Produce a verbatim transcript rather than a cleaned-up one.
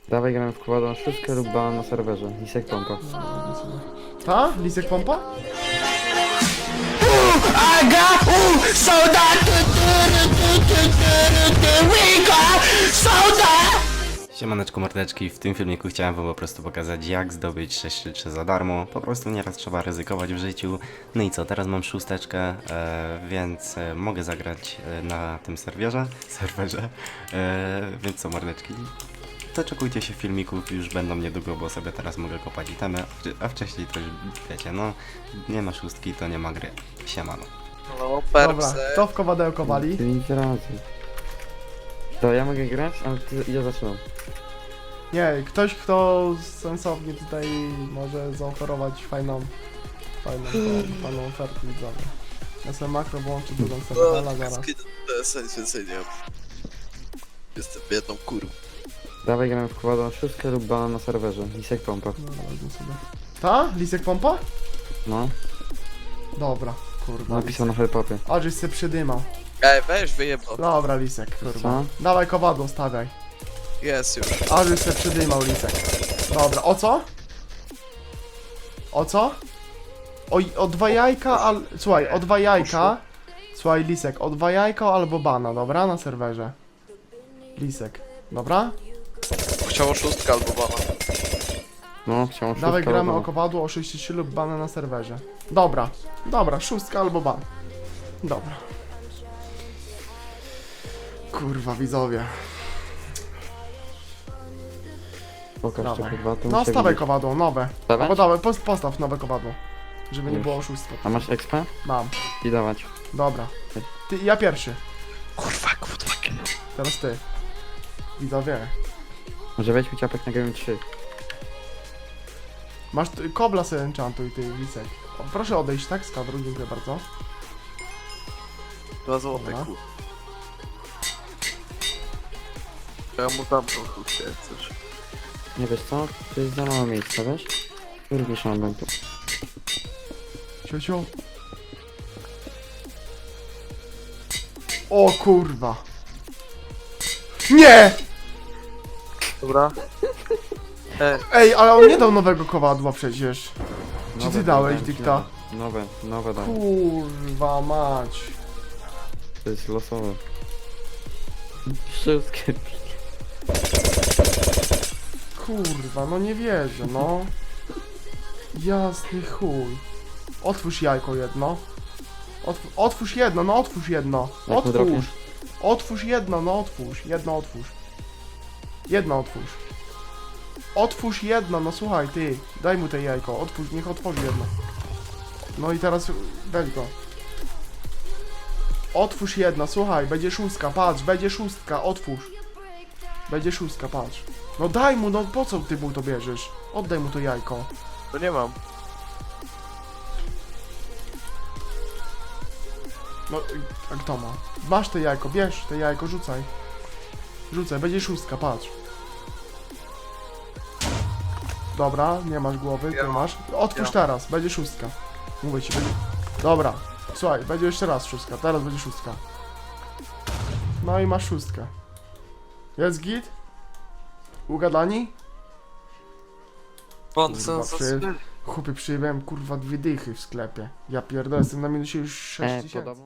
Dawaj gramy w kładą szóstkę lub banan na serwerze. Lisek pompa. Ta? Lisek pompa? Siemaneczko mordeczki, w tym filmiku chciałem wam po prostu pokazać, jak zdobyć sześć trzy trzy za darmo. Po prostu nieraz trzeba ryzykować w życiu. No i co, teraz mam szósteczkę, e, więc e, mogę zagrać e, na tym serwerze, serwerze. E, więc co mordeczki, doczekujcie się filmików, już będą niedługo, bo sobie teraz mogę kopać itemy, a wcześniej to już wiecie, no nie ma szóstki, to nie ma gry. Siemano. No, Dobra, perpse. kto w kowadełko wali? Ty nic razy. To ja mogę grać, ale ty, ja zaczynam. Nie, ktoś kto sensownie tutaj może zaoferować fajną, fajną, fajną ofertę widzowie. Ja sobie makro włączę drugą No, serwera zaraz. to jest nic więcej nie mam. Jestem biedną kurą. Dawaj gramy w kładą szóstkę lub banan na serwerze. Lisek pompa. Dobra, wezmę sobie. Ta? Lisek pompa? No, Dobra, kurwa. napisał na helpopie. A, żeś się przydymał. Ej, weź wyjebno. Dobra, Lisek, kurwa. Co? Dawaj kowadło, stawiaj. Jest już. A, żeś się przydymał, Lisek. Dobra, o co? O co? O, o dwa jajka, al... Słuchaj, o dwa jajka. Słuchaj, Lisek, o dwa jajka albo bana, dobra? Na serwerze. Lisek, dobra? Chciało szóstka albo bana. No, chciałem szóstkę. Dawaj gramy albo o kowadło o sześć trzy lub bana na serwerze. Dobra, dobra, szóstka albo ban. Dobra. Kurwa, widzowie. Pokaż to Dawaj. kurwa, to No, muszę stawaj widzieć. kowadło, nowe. Stawiać? Albo dawaj, post, postaw nowe kowadło. Żeby nie Już. było oszustwa. A masz expa? Mam. I dawać. Dobra. Ty, ja pierwszy. Kurwa, kurwa. Teraz ty. Widzowie. Może weźmy ciapek na game trzy. Masz ty, kobla sobie enchantuj, ty, Lisek. O, proszę odejść, tak? Z kadru, dziękuję bardzo. Dwa złote, Dobra. kurwa. Ja mu dam tą chustkę, jak chcesz. Nie wiesz co? To jest za mało miejsca, wiesz? Również mam będę. Ciociu. O kurwa. Nie! Dobra. Ej, Ej, ale on nie dał nowego kowadła przecież. Czy Nowe ty dałeś, dałem ci, dykta? Nowe, nowe dałem. Kurwa mać. To jest losowe. Wszystkie. Kurwa, no nie wierzę, no. Jasny chuj. Otwórz jajko jedno. Otw otwórz jedno, no otwórz jedno. Jak mu Otwórz. dropniesz? Otwórz jedno, no otwórz. Jedno otwórz. Jedno otwórz. Otwórz jedno, no słuchaj ty. Daj mu te jajko, otwórz, niech otworzy jedno. No i teraz weź go. Otwórz jedno, słuchaj, będzie szóstka, patrz, będzie szóstka, otwórz. Będzie szóstka, patrz. No daj mu, no po co ty mu to bierzesz? Oddaj mu to jajko. to nie mam. No, a kto ma? Masz te jajko, bierz te jajko, rzucaj. Rzucaj, będzie szóstka, patrz. Dobra, nie masz głowy, ty Ja. masz. Otwórz Ja. teraz, będzie szóstka. Mówię ci, będzie... Dobra, słuchaj, będzie jeszcze raz szóstka, teraz będzie szóstka. No i masz szóstkę. Jest git? Ugadani? Bon, Kurwa, co za przy- Chłopie, przyjebałem kurwa dwie dychy w sklepie. Ja pierdolę, jestem na minusie już sześć E, tysięcy. podobno.